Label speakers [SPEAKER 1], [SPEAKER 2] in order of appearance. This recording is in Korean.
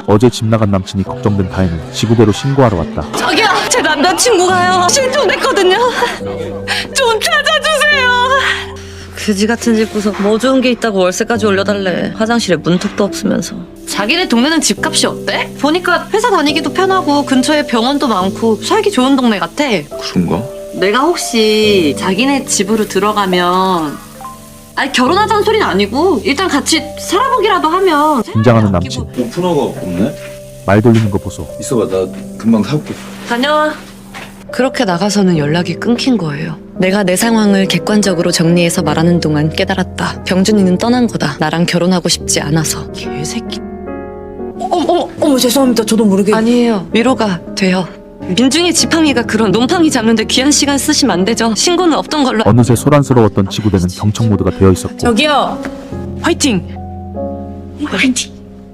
[SPEAKER 1] 어제 집 나간 남친이 걱정된 다혜는 지구대로 신고하러 왔다.
[SPEAKER 2] 저기요, 제 남자친구가요. 실종됐거든요. 좀 찾아주세요. 그지 같은 집 구석 뭐 좋은 게 있다고 월세까지 올려달래. 화장실에 문턱도 없으면서. 자기네 동네는 집값이 어때? 보니까 회사 다니기도 편하고 근처에 병원도 많고 살기 좋은 동네 같아.
[SPEAKER 3] 그런가?
[SPEAKER 2] 내가 혹시 자기네 집으로 들어가면 아니 결혼하자는 소리는 아니고 일단 같이 살아보기라도 하면
[SPEAKER 1] 긴장하는 남친.
[SPEAKER 3] 오픈어가 없네?
[SPEAKER 1] 말 돌리는 거 보소.
[SPEAKER 3] 있어봐, 나 금방 사올게.
[SPEAKER 2] 다녀와. 그렇게 나가서는 연락이 끊긴 거예요. 내가 내 상황을 객관적으로 정리해서 말하는 동안 깨달았다. 병준이는 떠난 거다. 나랑 결혼하고 싶지 않아서. 개새끼.
[SPEAKER 4] 어머 죄송합니다. 저도 모르게.
[SPEAKER 2] 아니에요. 위로가 돼요. 민중이 지팡이가 그런 놈팡이 잡는데 귀한 시간 쓰시면 안 되죠. 신고는 없던 걸로.
[SPEAKER 1] 어느새 소란스러웠던 지구대는 경청 모드가 되어 있었고
[SPEAKER 4] 저기요.
[SPEAKER 2] 화이팅! 화이팅!